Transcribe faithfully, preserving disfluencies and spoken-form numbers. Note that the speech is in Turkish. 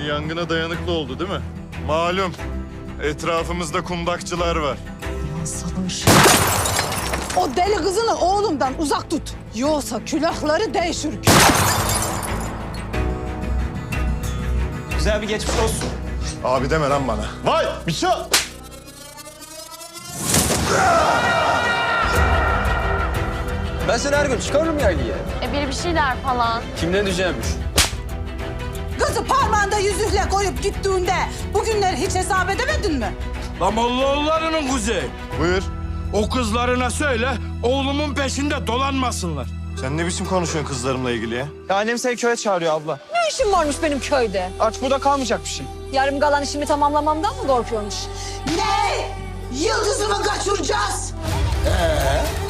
Şimdi yangına dayanıklı oldu değil mi? Malum. Etrafımızda kundakçılar var. Lan Sabır. O deli kızını oğlumdan uzak tut. Yoksa külahları değişir. Güzel bir geçmiş olsun. Abi deme lan bana. Vay! Miço! Ben seni her gün çıkarırım yaylaya. E biri bir şeyler falan. Kimden diyeceğimmiş? Kızı parmağında yüzükle koyup gittiğinde bugünleri hiç hesap edemedin mi? Lan Mollaoğulları'nın kuzeyi. Buyur. O kızlarına söyle, oğlumun peşinde dolanmasınlar. Sen ne biçim konuşuyorsun kızlarımla ilgili ya? Ya annem seni köye çağırıyor abla. Ne işin varmış benim köyde? Aç burada kalmayacak bir şey. Yarım kalan işimi tamamlamamdan mı korkuyormuş? Ne? Yıldızımı kaçıracağız. Ee,